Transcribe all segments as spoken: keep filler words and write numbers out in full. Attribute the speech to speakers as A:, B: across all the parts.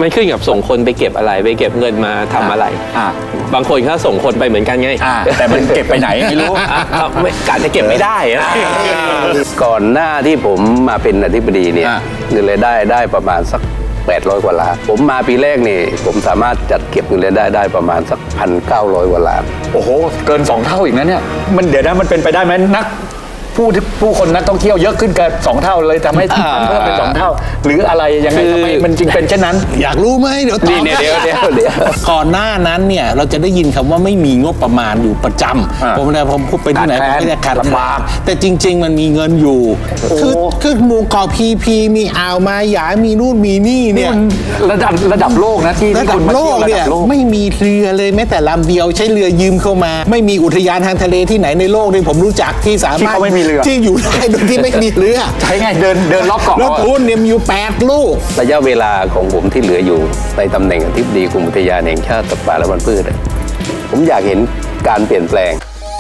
A: มันขึ้นกับส่งคนไปเก็บอะไรไปเก็บเงินมาทำอะไรบางคนเขาส่งคนไปเหมือนกันไง
B: แต่มันเก็บไปไหนไม่รู้
A: การจะเก็บไม่ได้
C: ก่อนหน้าที่ผมมาเป็นอธิบดีเนี่ยเงินรายได้ได้ประมาณสักแปดร้อยกว่าล้านผมมาปีแรกนี่ผมสามารถจัดเก็บเงินรายได้ได้ประมาณสักพันเก้าร้อยกว่าล้าน
B: โอ้โหเกินสองเท่าอีกนะเนี่ยมันเดี๋ยวนะมันเป็นไปได้ไหมนักผู้ผู้คนนักท่องเที่ยวเยอะขึ้นเกินสองเท่าเลยทำให้เพิ่มเป็นสองเท่าหรืออะไรยังไงทำไมมันจึงเป็นเช่นนั้น
D: อยากรู้ไหมเดี๋ยวตอบ
C: เดี๋ยวเดี๋ยวเดี๋ยว
D: ก่อนหน้านั้นเนี่ยเราจะได้ยินคำว่าไม่มีงบประมาณอยู่ประจำผมเนี่ยผมพูดไปที่ไหนผมไม่ได้ขาดลำบากแต่จริงๆมันมีเงินอยู่คือคือหมู่เกาะพีพีมีอ่าวมาหยามีนู่นมีนี่เนี่ย
B: ระดับระดับโลกนะที่
D: ระดับโลกเนี่ยไม่มีเรือเลยแม้แต่ลำเดียวใช้เรือยืมเข้ามาไม่มีอุทยานทางทะเลที่ไหนในโลกที่ผมรู้จักที่สามารถที่อยู่ได้โดยที่ไม่มีเรือ
B: ใช่ไงเดินเดินรอบเกาะ
D: แล้วทุนเนี่ยมีอยู่แปดลูก
C: ระยะเวลาของผมที่เหลืออยู่ในตำแหน่งอธิบดีกรมอุทยานแห่งชาติสัตว์ป่าและพันธุ์พืชผมอยากเห็นการเปลี่ยนแปลง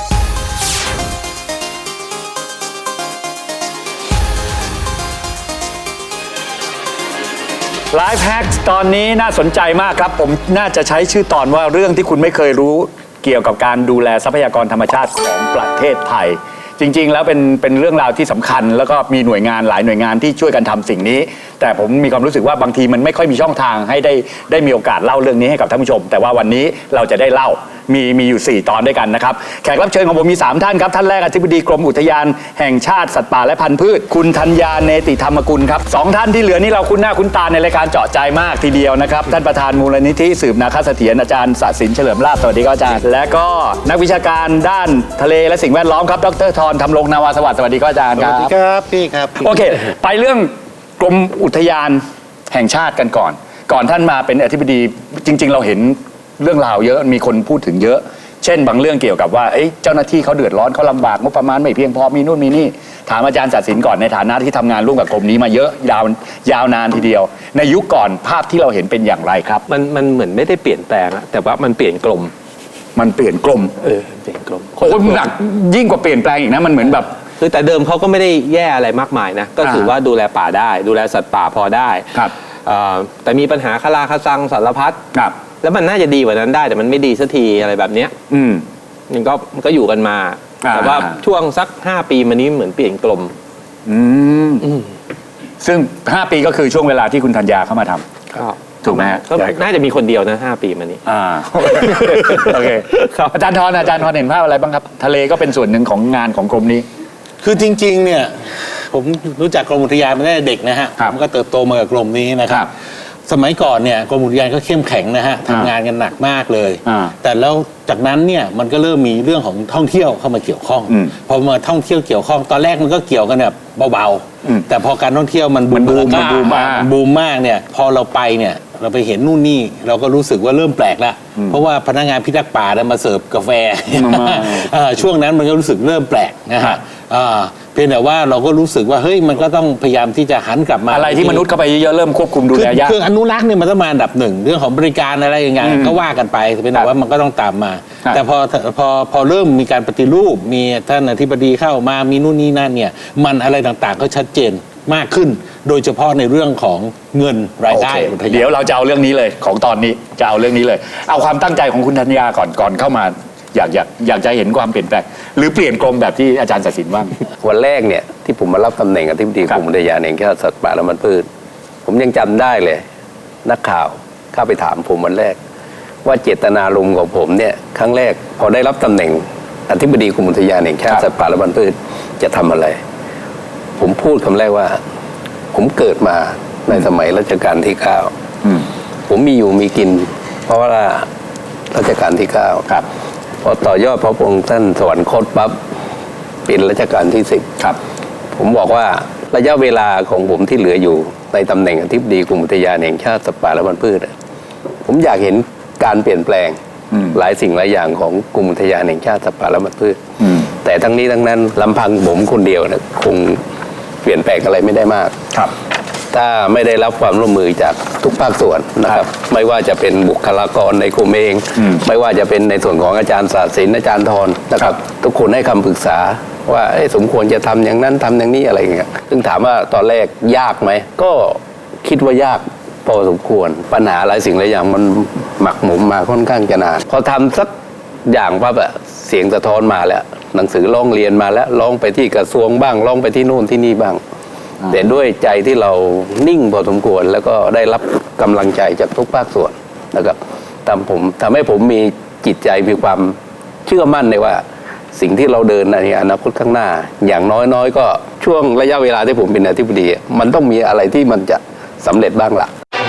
B: ไลฟ์แฮกตอนนี้น่าสนใจมากครับผมน่าจะใช้ชื่อตอนว่าเรื่องที่คุณไม่เคยรู้เกี่ยวกับการดูแลทรัพยากรธรรมชาติของประเทศไทยจริงๆแล้วเป็นเป็นเรื่องราวที่สำคัญแล้วก็มีหน่วยงานหลายหน่วยงานที่ช่วยกันทำสิ่งนี้แต่ผมมีความรู้สึกว่าบางทีมันไม่ค่อยมีช่องทางให้ได้ได้มีโอกาสเล่าเรื่องนี้ให้กับท่านผู้ชมแต่ว่าวันนี้เราจะได้เล่ามีมีอยู่สี่ตอนด้วยกันนะครับแขกรับเชิญของผมมีสามท่านครับท่านแรกอธิบดีกรมอุทยานแห่งชาติสัตว์ป่าและพันธุ์พืชคุณธัญญาเนติธรรมกุลครับสองท่านที่เหลือนี่เราคุ้นหน้าคุ้นตาในรายการเจาะใจมากทีเดียวนะครับท่านประธานมูลนิธิสืบนาคเสถียรอาจารย์ศศินเฉลิมลาภสวัสดีครับอาจารย์และก็นักวิชาการด้านทะเลและสิ่งแวดล้อมครับดร.ธรธรรมรงนาวาสวัสดิ์สวัสดีครับอาจารย์ครับ
D: สวัสดีครับพี่ครับ
B: โอเคไปเรื่องกรมอุทยานแห่งชาติกันก่อนก่อนท่านมาเป็นอธิบดีจริงๆเราเห็นเรื่องราวเยอะมีคนพูดถึงเยอะเช่นบางเรื่องเกี่ยวกับว่าเจ้าหน้าที่เขาเดือดร้อนเขาลำบากงบประมาณไม่เพียงพอมีนู่นมีนี่ถามอาจารย์ศศินก่อนในฐานะที่ทำงานร่วมกับกรมนี้มาเยอะยาวยาวนานทีเดียวในยุคก่อนภาพที่เราเห็นเป็นอย่างไรครับ
A: มันมันเหมือนไม่ได้เปลี่ยนแปลงอะแต่ว่ามันเปลี่ยนกรม
B: มันเปลี่ยนกรม
A: เออเปลี่ยนกรม
B: โอ้ยหนักยิ่งกว่าเปลี่ยนแปลงอีกนะมันเหมือนแบบ
A: คือแต่เดิมเขาก็ไม่ได้แย่อะไรมากมายนะก็ถือว่าดูแลป่าได้ดูแลสัตว์ป่าพอได้
B: ครับ
A: แต่มีปัญหาคาราคาซังสารพัด
B: ครับ
A: แล้วมันน่าจะดีกว่านั้นได้แต่มันไม่ดีสักทีอะไรแบบเนี้ย
B: อืม
A: มันก็มันก็อยู่กันมาแต่ว่าช่วงสักห้าปีมานี้เหมือนเปลี่ยนกลม
B: อืมซึ่งห้าปีก็คือช่วงเวลาที่คุณธัญญาเข้ามาทำ
A: ก็
B: ถูกไหมฮะ
A: น่าจะมีคนเดียวนะห้าปีมานี้
B: อ่าโอเคอาจารย์ธรอาจารย์ธรเห็นภาพอะไรบ้างครับทะเลก็เป็นส่วนหนึ่งของงานของกรมนี้
D: คือจริงๆเนี่ยผมรู้จักกรมอุทยานมาตั้งแต่เด็กนะฮะผมก็เติบโตมากับกรมนี้นะครับสมัยก่อนเนี่ยกรมอุทยานก็เข้มแข็งนะฮะทำงานกันหนักมากเลยแต่แล้วจากนั้นเนี่ยมันก็เริ่มมีเรื่องของท่องเที่ยวเข้ามาเกี่ยวข้องพอมาท่องเที่ยวเกี่ยวข้องตอนแรกมันก็เกี่ยวกันแบบเบาๆแต่พอการท่องเที่ยวมันบูม
B: มันบูมมาก
D: บูมมากเนี่ยพอเราไปเนี่ยเราไปเห็นนู่นนี่เราก็รู้สึกว่าเริ่มแปลกแล้วเพราะว่าพนักงานพิทักษ์ป่ามาเสิร์ฟกาแฟช่วงนั้นมันก็รู้สึกเริ่มแปลกนะฮะเพียงแต่ว่าเราก็รู้สึกว่าเฮ้ยมันก็ต้องพยายามที่จะหันกลับมา
B: อะไรที่มนุษย์เข้าไปเยอะๆเริ่มควบคุมดูแลยาก
D: คืออนุรักษ์เนี่ยมันต้องมาอันดับหนึ่งเรื่องของบริการอะไรอย่างเงี้ยก็ว่ากันไปเพียงแต่ว่ามันก็ต้องตามมาแต่พอพอพอเริ่มมีการปฏิรูปมีท่านอธิบดีเข้ามามีนู่นนี่นั่นเนี่ยมันอะไรต่างๆก็ชัดเจนมากขึ้นโดยเฉพาะในเรื่องของเงินรายได้
B: เดี๋ยวเราจะเอาเรื่องนี้เลยของตอนนี้จะเอาเรื่องนี้เลยเอาความตั้งใจของคุณธัญญาก่อนก่อนเข้ามาอยากอยากอยากจะเห็นความเปลี่ยนแปลงหรือเปลี่ยนกรมแบบที่อาจารย์ศศินว่า
C: วันแรกเนี่ยที่ผมมารับตำแหน่งอธิบดีกรมอุทยานแห่งชาติสัตว์ป่าและพันธุ์พืชผมยังจำได้เลยนักข่าวเข้าไปถามผมวันแรกว่าเจตนารมณ์ของผมเนี่ยครั้งแรกพอได้รับตำแหน่งอธิบดีกรมอุทยานแห่งชาติสัตว์ป่าและพันธุ์พืชจะทำอะไรผมพูดคำแรกว่าผมเกิดมาในสมัยรัชกาลที่เก้าผมมีอยู่มีกินเพราะว่ารัชกาลที่เก้า
B: ครับ
C: พอต่อยอดพระองค์ท่านสวรรคตปั๊บเป็นรัชกาลที่สิบ
B: ครับ
C: ผมบอกว่าระยะเวลาของผมที่เหลืออยู่ในตำแหน่งอธิบดีกรมอุทยานแห่งชาติสัตว์ป่าและพันธุ์พืชผมอยากเห็นการเปลี่ยนแปลงหลายสิ่งหลายอย่างของกรมอุทยานแห่งชาติสัตว์ป่าและพันธุ์พืชแต่ทั้งนี้ทั้งนั้นลำพังผมคนเดียวนะคงเปลี่ยนแปลงอะไรไม่ได้มาก
B: ครับ
C: ถ้าไม่ได้รับความร่วมมือจากทุกภาคส่วนนะครับไม่ว่าจะเป็นบุคลากรในกรมเองไม่ว่าจะเป็นในส่วนของอาจารย์ศศินอาจารย์ธรนะครับทุกคนให้คำปรึกษาว่าสมควรจะทำอย่างนั้นทำอย่างนี้อะไรอย่างเงี้ยซึ่งถามว่าตอนแรกยากไหมก็คิดว่ายากพอสมควรปัญหาหลายสิ่งหลายอย่างมันหมักหมมมาค่อนข้างจะนานพอทำสักอย่างปั๊บอะเสียงสะท้อนมาแล้วหนังสือร้องเรียนมาแล้วร้องไปที่กระทรวงบ้างร้องไปที่โน่นที่นี่บ้างแต่ด้วยใจที่เรานิ่งพอสมควรแล้วก็ได้รับกำลังใจจากทุกภาคส่วนนะครับทำผมทำให้ผมมีจิตใจมีความเชื่อมั่นในว่าสิ่งที่เราเดินในอนาคตข้างหน้าอย่างน้อยๆก็ช่วงระยะเวลาที่ผมเป็นอธิบดีมันต้องมีอะไรที่มันจะสำเร็จบ้างล่ะ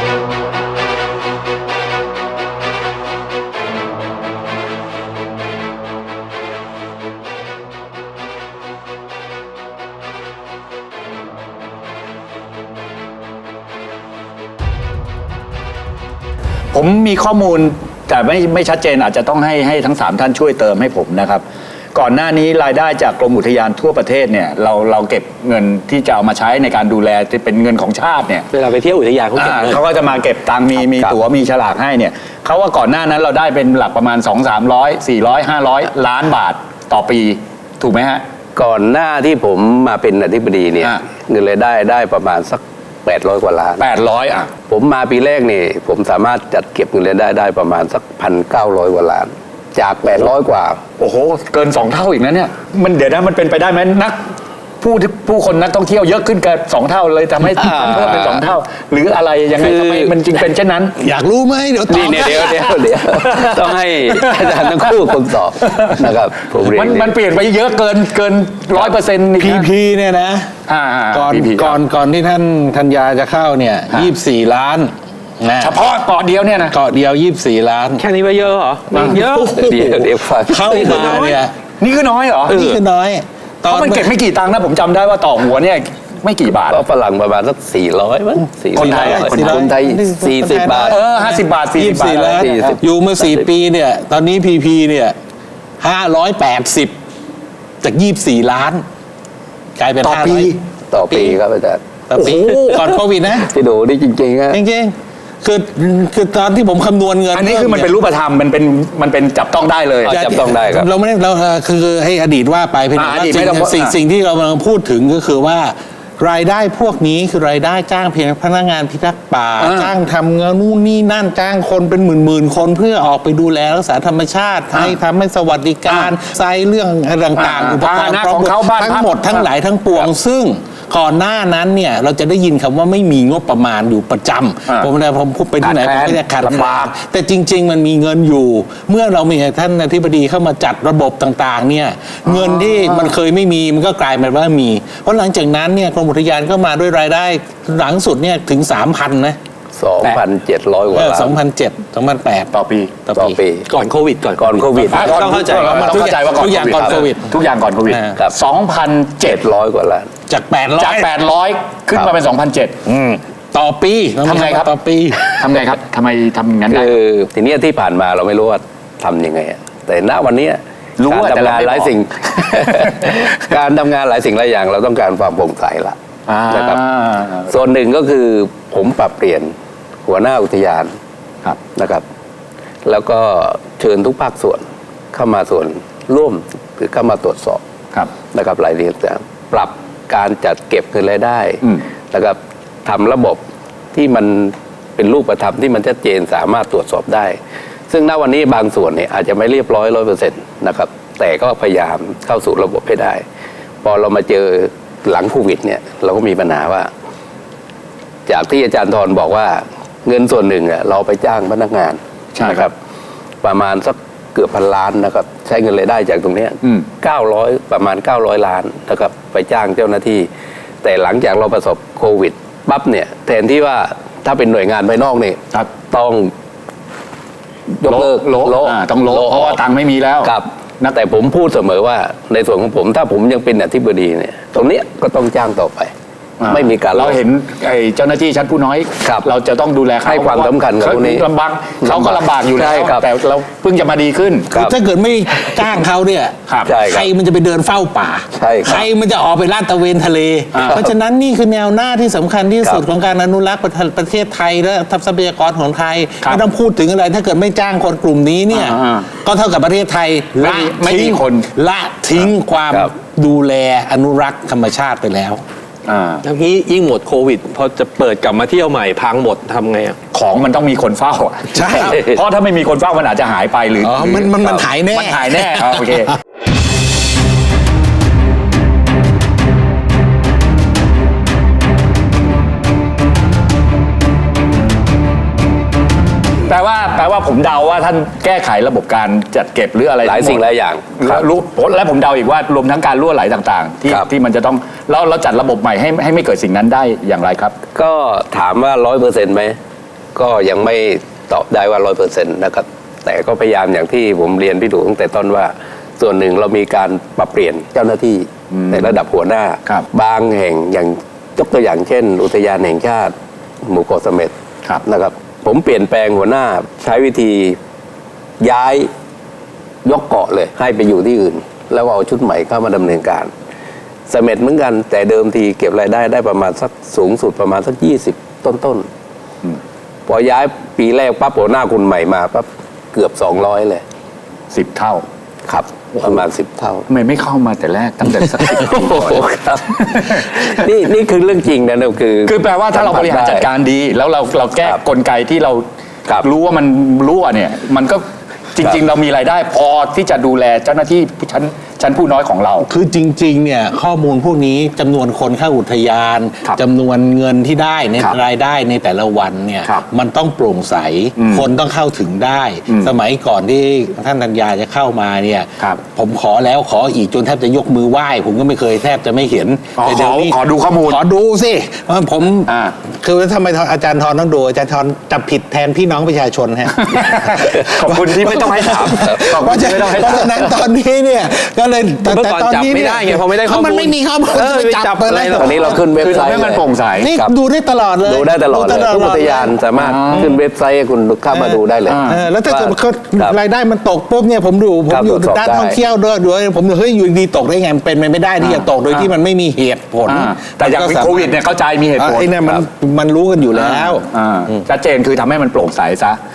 B: ผมมีข้อมูลแต่ไม่ไม่ชัดเจนอาจจะต้องให้ให้ทั้งสามท่านช่วยเติมให้ผมนะครับก่อนหน้านี้รายได้จากกรมอุทยานทั่วประเทศเนี่ยเราเราเก็บเงินที่จะเอามาใช้ในการดูแลที่เป็นเงินของชาติเนี่ย
A: เวลาไปเที่ยวอุทยานเขาเก็บเงิน
B: เขาก็จะมาเก็บตังค์มีมีตั๋วมีฉลากให้เนี่ยเขาว่าก่อนหน้านั้นเราได้เป็นหลักประมาณสองสามร้อยสี่ร้อยห้าร้อยล้านบาทต่อปีถูกไหมฮะ
C: ก่อนหน้าที่ผมมาเป็นอธิบดีเนี่ย
B: อ่ะ
C: เงินรายได้ได้ประมาณสักแปดร้อยกว่าล้าน
B: แปดร้อยอ่ะ
C: ผมมาปีแรกนี่ผมสามารถจัดเก็บเงินรายได้ได้ประมาณสักพันเก้าร้อยกว่าล้าน จากแปดร้อยกว่า
B: โอ้โหเกินสองเท่าอีกนะเนี่ยมันเดี๋ยวนะมันเป็นไปได้ไหมนักผู้ที่ผู้คนนักท่องเที่ยวเยอะขึ้นเกินสองเท่าเลยทำให้
C: อ่า
B: เพิ่มเป็นสองเท่า หรืออะไรยังไง
C: คือ
B: ทำไมมันจึงเป็นเช่นนั้น
D: อยากรู้ไหมเดี๋ยวตอบ
C: นี่เนี่ยเดี๋ยวเดี๋ยวเดี๋ยวต้องให้อาจารย์ทั้งคู่คนตอบนะครับผมเรียน
B: มันมันเปลี่ยนไปเยอะเกินเกินร้อยเปอร์เซ็นต์
D: พีพีเนี่ยนะ ก่อน
B: พีพี
D: ก่อนก่อนที่ท่านธัญญาจะเข้าเนี่ยยี่สิบสี่ล้านนะ
B: เฉพาะเกาะเดียวเนี่ยนะ
D: เกาะเดียวยี่สิบสี่ล้าน
A: แค่นี้ว่าเยอะเหรอเยอะ
C: เดี๋ยวเดี๋ยวฟัง
D: เข้ามาเนี่ย
B: นี่คือน้อยเหรอ
D: นี่คือน้อย
B: เพราะมันเก็บไม่กี่ตังค์นะผมจำได้ว่าต่อหัวเนี่ยไม่กี่บาท
C: ก็ฝรั่งประมาณสักสี่ร้อยมั้งสี่
B: คนไทยอะ
C: คนคนไทยสี่สิบบาท
B: เออห้าสิบบาทสี่
D: ยี่
B: สิ
D: สิ
B: บบ าท
D: สี่ล้าน
C: สี่สิบ
D: อยู่มาสี่ปีเนี่ย ตอนนี้พีพีเนี่ยห้าร้อยแปดสิบจากยี่สิบสี่ล้าน กลายเป็น
B: ต่อ
D: ห้า
B: ปี
D: ร้อย
C: ต่อปีครับอาจารย์
D: ต่อปีก่อนโควิดนะ
C: ที่ดูนี่จริงๆฮะ
D: จริงๆคือคือตอนที่ผมคำนวณเงิน
B: อันนี้คือมันเป็นรูปธรรมมันเป็นมันเป็นจับต้องได้เลย
C: จับต้องได้ครับ
D: เราไม่ได้เราเอ่อคือให้อดีตว่าไปเพียงแต่
B: อ่า
D: ว่า
B: อดีต
D: สิ่
B: ไม่
D: ง
B: ต้อง
D: สิ่ง
B: อ่า
D: สิ่งที่เรากำลังพูดถึงก็คือว่า รายได้พวกนี้คือรายได้จ้างเพียงพนักงานพิทักษ์ป่า
B: อ่า
D: จ้างทำงานนู่นนี่นั่นจ้างคนเป็นหมื่นหมื่นๆคนเพื่อออกไปดูแลรักษาธรรมชาติให้ทำให้สวัสดิการไซเรื่องอะไรต่าง
B: อ่า
D: ๆอุปกรณ์
B: ฐานะของเขาบ้าน
D: ทั้
B: พั
D: ง
B: ก
D: หมดทั้งหลายทั้งปวง ซึ่งก่อนหน้านั้นเนี่ยเราจะได้ยินคำว่าไม่มีงบประมาณอยู่ประจ
B: อ่า
D: ำผมเนี่ยผมพูดไปที่ไหน
B: ขาด
D: ผม
B: แคลน
D: ก็จะขาด
B: ลำบาก
D: แต่จริง ๆ มันมีเงินอยู่ เมื่อเรามีท่านอธิบดีเข้ามาจัดระบบต่างๆเนี่ยเงินที่มันเคยไม่มีมันก็กลายเป็นว่ามี เพราะหลังจากนั้นเนี่ยกรมอุทยานก็มาด้วยรายได้หลังสุดเนี่ยถึง สามพัน นะ
C: สองพันเจ็ดร้อยกว่า
D: เออ
C: ล้าน
D: สองพันเจ็ด สองพันแปด
B: ต่อปี
D: ต่อ
C: ต่อ
D: ปี
C: ปี
A: ก่อนโควิดก่อน
C: ก่อนโควิด
A: ต้องเข้าใจ
B: ต้องเข้าใจว่า
D: ทุกอย่างก่อนโควิด
B: ทุกอย่างก่อนโควิด
C: ครับ
B: สองพันเจ็
C: เจ็
B: ด
C: ดร้อยกว่าล้าน
D: จากแปดร้อย
B: จากแปดร้อยขึ้นมาเป็นสองพันเจ็ด
D: ต่อปี
B: ทำไงครับ
D: ต่อปี
B: ทำไงครับทำไมทำอย่างนั้นได้
C: คือทีเนี้ยที่ผ่านมาเราไม่รู้ว่าทำยังไงอะแต่ณวันเนี้ย
B: รู้
C: การ
B: อะแต่
C: ทำ
B: เรา
C: งาน
B: ไม่
C: หลาย
B: บอก
C: สิ่ง การทำงานหลายสิ่งหลายอย่าง เราต้องการความโปร่งใสละ
B: อ่าน
C: นะครับส่วนหนึ่งก็คือผมปรับเปลี่ยนหัวหน้าอุทยาน
B: ครับ
C: นะครับ แล้วก็เชิญทุกภาคส่วนเข้ามาส่วนร่วมหรือเข้ามาตรวจสอบ
B: ครับ
C: นะครับรายละเอียดต่างปรับการจัดเก็บเงินรายได้
B: อืม
C: นะครับทำระบบที่มันเป็นรูปธรรมที่มันชัดเจนสามารถตรวจสอบได้ ซึ่งณวันนี้บางส่วนเนี่ยอาจจะไม่เรียบร้อยร้อยเปอร์เซ็นต์นะครับแต่ก็พยายามเข้าสู่ระบบให้ได้ พอเรามาเจอหลังโควิดเนี่ยเราก็มีปัญหาว่า จากที่อาจารย์ธรบอกว่าเงินส่วนหนึ่งอะเราไปจ้างพนักงาน
B: ใช่
C: นะครับ ประมาณสักเกือบพันล้านนะครับ ใช้เงินรายได้จากตรงเนี้ย
B: อืม
C: เก้าร้อยประมาณเก้าร้อยล้านนะครับ ไปจ้างเจ้าหน้าที่ แต่หลังจากเราประสบโควิดปั๊บเนี่ยแทนที่ว่าถ้าเป็นหน่วยงานภายนอกเนี่ย
B: ครับ
C: ต้องยกเลิก
B: โละโละอ่าต้องโละเพราะว่าตังค์ไม่มีแล้ว
C: ครับนะแต่ผมพูดเสมอว่าในส่วนของผมถ้าผมยังเป็นอธิบดีเนี่ย ตรงเนี้ยก็ต้องจ้างต่อไป
B: อ่า
C: ไม่มีการ
B: เราเห็นไอ้เจ้าหน้าที่ชั้นผู้น้อย
C: ครับ
B: เราจะต้องดูแลเขา
C: ให้ความสำคัญกับพวกนี้
B: ลำบากเขาก็ลำบากอยู่แล้
C: ใช่
B: ว
C: ครับ
B: แต่เราเพิ่งจะมาดีขึ้น
C: ครับ
D: ถ้าเกิดไม่จ้างเขาเนี่ย
B: ครับ
C: ใช่ครับ
D: ใครมันจะไปเดินเฝ้าป่า
C: ใช่ครับ
D: ใครมันจะออกไปลาดตระเวนทะเล
B: อ่า
D: เพราะฉะนั้นนี่คือแนวหน้าที่สำคัญที่สุด
C: ครับ
D: ของการอนุรักษ์ประเทศประเทศไทยและทรัพยากรของไทย
B: ครับ
D: ไม่ต้องพูดถึงอะไร ถ้าเกิดไม่จ้างคนกลุ่มนี้เนี่ย
B: อ่า
D: ก็เท่ากับประเทศไทย
B: ไม่
D: ละ
B: มีไม่มี
D: ทิ้ง
B: คน
D: ละทิ้งความ
C: ครับ
D: ดูแลอนุรักษ์ธรรมชาติไปแล้ว
A: แล้วนี้ยิ่งหมดโควิดพอจะเปิดกลับมาเที่ยวใหม่พังหมดทำไงอ่ะ
B: ของมันต้องมีคนเฝ้าอ่ะ
D: ใช่
B: เพราะถ้าไม่มีคนเฝ้ามันอาจจะหายไปหรืออ๋อ
D: มันมันมันหายแน่
B: มันหายแน่โอเคแปลว่าแปลว่าผมเดาว่าท่านแก้ไขระบบการจัดเก็บหรืออะไร
C: หลายสิ่งหลายอย่าง
B: รู้และผมเดาอีกว่ารวมทั้งการรั่วไหลต่างๆที่ที่มันจะต้องเราเราจัดระบบใหม่ให้ให้ไม่เกิดสิ่งนั้นได้อย่างไรครับ
C: ก็ถามว่าร้อยเปอร์เซ็นต์ไหมก็ยังไม่ตอบได้ว่าร้อยเปอร์เซ็นต์นะครับแต่ก็พยายามอย่างที่ผมเรียนพี่ดูตั้งแต่ต้นว่าส่วนหนึ่งเรามีการปรับเปลี่ยนเจ้าหน้าที่ในระดับหัวหน้าบางแห่งอย่างยกตัวอย่างเช่น อุทยานแห่งชาติหมู่เกาะเสม็ดนะครับผมเปลี่ยนแปลงหัวหน้าใช้วิธีย้ายยกเกาะเลยให้ไปอยู่ที่อื่นแล้วเอาชุดใหม่เข้ามาดำเนินการเสม็ดเหมือนกันแต่เดิมทีเก็บรายได้ได้ประมาณสักสูงสุดประมาณสักยี่สิบต้นๆพอย้ายปีแรกปั๊บหัวหน้าคนใหม่มาปั๊บเกือบสองร้อยเลย
B: สิบเท่า
C: ครับประมาณสิบเท่า
B: ทำไมไม่เข้ามาแต่แรกตั้งแต่สักสิบปี
C: ครับนี่นี่คือเรื่องจริงนะเนี่ยคือ
B: คือแปลว่าถ้าเราบริหารจัดการดีแล้วเราเราแก้กลไกที่เรารู้ว่ามันรั่วเนี่ยมันก็จริงๆเรามีรายได้พอที่จะดูแลเจ้าหน้าที่ชั้นชั้นผู้น้อยของเรา
D: คือจริงๆเนี่ยข้อมูลพวกนี้จำนวนคนเข้าอุทยานจำนวนเงินที่ได้ในรายได้ในแต่ละวันเนี่ยมันต้องโปร่งใสคนต้องเข้าถึงได้สมัยก่อนที่ท่านธัญญาจะเข้ามาเนี่ยผมขอแล้วขออีกจนแทบจะยกมือไหว้ผมก็ไม่เคยแทบจะไม่เห็น
B: แต่เดี๋ยวนี้ขอดูข้อมูล
D: ขอดูสิผมคือทำไมอาจารย์ธรต้องดูอาจารย์ธรจับผิดแทนพี่น้องประชาชนฮะ
B: ขอบคุณที่ไม่ต้องให้ถาม
D: เพราะฉะนั้นตอนนี้เนี่ยก็เลย
A: แต่ตอนนี้ไม่ได้ไงเพราะไม่ได้ข้อมูล
D: มันไม่มีข้อมูล
A: ไปจับอะไร
C: ตอนนี้เราขึ้นเว็บไซต์
B: ให้มันโปร่งใส
D: นี่ดูได้ตลอดเลย
C: ดูได้ตลอดเลยทุกอุทยานสามารถขึ้นเว็บไซต์คุณเข้ามาดูได้เลย
D: แล้วถ้าเกิดรายได้มันตกปุ๊บเนี่ยผมดูผมอยู่ด้านท่องเที่ยวด้วยด้วยผมเฮ้ยอยู่ดีตกได้ไงเป็นไปไม่ได้ที่จะตกโดยที่มันไม่มีเหตุผล
B: แต่อย่างโควิดเนี่ยเข้าใจมีเหตุผล
D: ไอ้นี่มันมันรู้กันอยู่แล้ว
B: ชัดเจนคือทำให้มันโปร่งใสซะ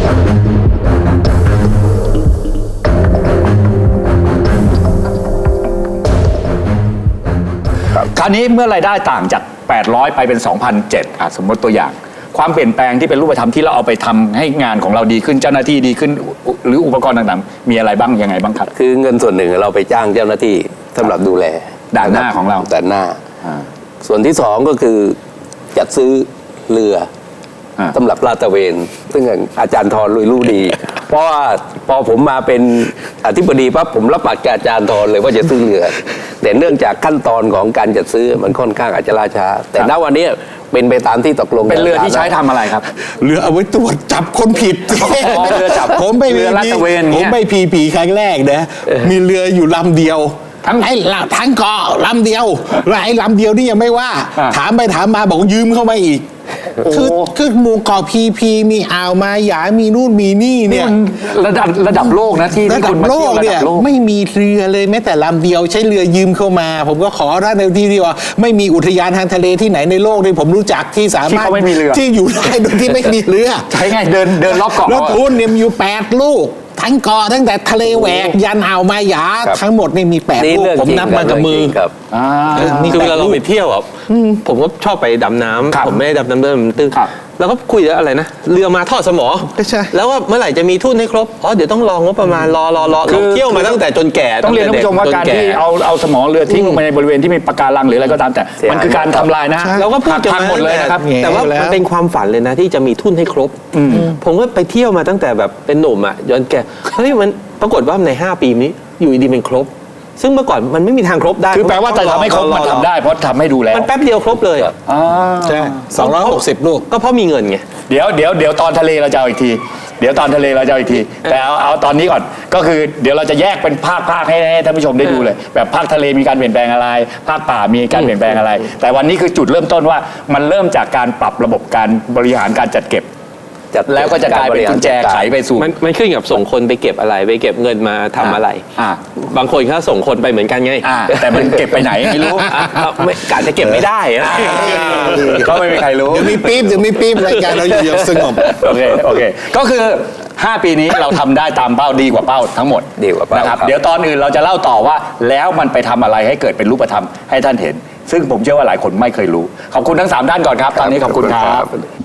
B: คราวนี้เมื่อรายได้ต่างจากแปดร้อยไปเป็น สองพันเจ็ดร้อย อ่ะสมมติตัวอย่างความเปลี่ยนแปลงที่เป็นรูปธรรมที่เราเอาไปทำให้งานของเราดีขึ้นเจ้าหน้าที่ดีขึ้นหรืออุปกรณ์ต่างๆมีอะไรบ้างยังไงบ้างครับ
C: คือเงินส่วนหนึ่งเราไปจ้างเจ้าหน้าที่สำหรับดูแล
B: ด่านหน้าของเรา
C: ด่านหน้าส่วนที่สองก็คือจัดซื้อเรือสำหรับลาดตระเวนซึ่งอาจารย์ธรลุยรู้ดีเพราะว่าพอผมมาเป็นอธิบดีปั๊บผมรับปากกับอาจารย์ธรเลยว่าจะซื้อเรือแต่เนื่องจากขั้นตอนของการจัดซื้อมันค่อนข้างอาจจะล่าช้าแต่ณวันนี้เป็นไปตามที่ตกลง
B: เป็นเรือที่ใช้ทำอะไรครับ
D: เรือเอาไว้ตรวจจับคนผิด
B: เรือจับ
D: ผมไป
B: เรือลาดตระเวน
D: ผมไปพีผีครั้งแรกนะมีเรืออยู่ลำเดียวทั้งไอ้ทั้งเกาะลำเดียวแล้วไอ้ลำเดียวนี่ยังไม่ว่าถามไปถามมาบอกยืมเข้ามาอีกคือคือหมู่เกาะพีพีมีอ่าวมาหยามีนู่นมีนี่เนี่ย
B: ระดับระดับโลกนะที่
D: ระดับโลกเนี่ยไม่มีเรือเลยแม้แต่ลำเดียวใช้เรือยืมเข้ามาผมก็ขอท่านในที่ที่ว่าไม่มีอุทยานทางทะเลที่ไหนในโลกที่ผมรู้จักที่สามารถที่อยู่ได้โดยที่ไม่มีเรือ
B: ใช่ไงเดินเดินรอบเกาะ
D: แล้วทุนเนี่ยมีอยู่แปดลูกทั้งเกาะตั้งแต่ทะเลแหวกยันอ่าวมาหยาทั้งหมดนี่มีแปดลูกผมนับมากับมือ
A: คือเวลาเราไปเที่ยวอ่ะผมก็ชอบไปดำน้ำผมไม่ได้ดำน้ำเดินตื้นแล้วก็คุยอะไรนะเรือมาทอดสมอแล้วว่าเมื่อไหร่จะมีทุนให้ครบอ๋อเดี๋ยวต้องรองบประมาณรอรอรอเราเที่ยวมาตั้งแต่จนแก่
B: ต้องเรียนท่านผู้ชมว่าการที่เอาเอาสมอเรือทิ้งลงไปในบริเวณที่มีปะการังหรืออะไรก็ตามแต่มันคือการทำลายนะ
A: เราก็พูดกันหมดเลยนะครับแต่ว่ามันเป็นความฝันเลยนะที่จะมีทุนให้ครบผมก็ไปเที่ยวมาตั้งแต่แบบเป็นหนุ่มอ่ะย้อนแก่เฮ้ยมันปรากฏว่าในห้าปีนี้อยู่ดีเป็นครบซึ่งเมื่อก่อนมันไม่มีทางครบได้
B: คือแปลว่าจะทำให้ครบมันทำได้เพราะทำให้ดูแล้ว
A: มันแป๊บเดียวครบเลยอ่ะ
D: ใช่สองร้อยหกสิบลูก
A: ก็เพราะมีเงินไง
B: เดี๋ยวเดี๋ยวเดี๋ยวตอนทะเลเราจะเอาอีกทีเดี๋ยวตอนทะเลเราจะเอาอีกทีแต่เอาเอาตอนนี้ก่อนก็คือเดี๋ยวเราจะแยกเป็นภาคภาคให้ท่านผู้ชมได้ดูเลยแบบภาคทะเลมีการเปลี่ยนแปลงอะไรภาคป่ามีการเปลี่ยนแปลงอะไรแต่วันนี้คือจุดเริ่มต้นว่ามันเริ่มจากการปรับระบบการบริหารการจัดเก็บแล้วก็จะกลายเป็นกุญแจไขไปสู่
A: มันมันขึ้นกับส่งคนไปเก็บอะไรไปเก็บเงินมาทำอะไรบางคนเขาส่งคนไปเหมือนกันไง
B: แต่มันเก็บไปไหนไม่รู้
A: กะจะเก็บไม่ได้
B: ก็ไม่มีใครรู้
D: เดี๋ยวมีปี๊บเดี๋ยวมีปี๊บรายการเราอยู่สงบ
B: โอเคโอเคก็คือห้าปีนี้เราทำได้ตามเป้าดีกว่าเป้าทั้งหมด
C: ดีกว่าเป้า
B: นะครับเดี๋ยวตอนอื่นเราจะเล่าต่อว่าแล้วมันไปทำอะไรให้เกิดเป็นรูปธรรมให้ท่านเห็นซึ่งผมเชื่อว่าหลายคนไม่เคยรู้ขอบคุณทั้งสามท่านก่อนครับตอนนี้ขอบคุณครับ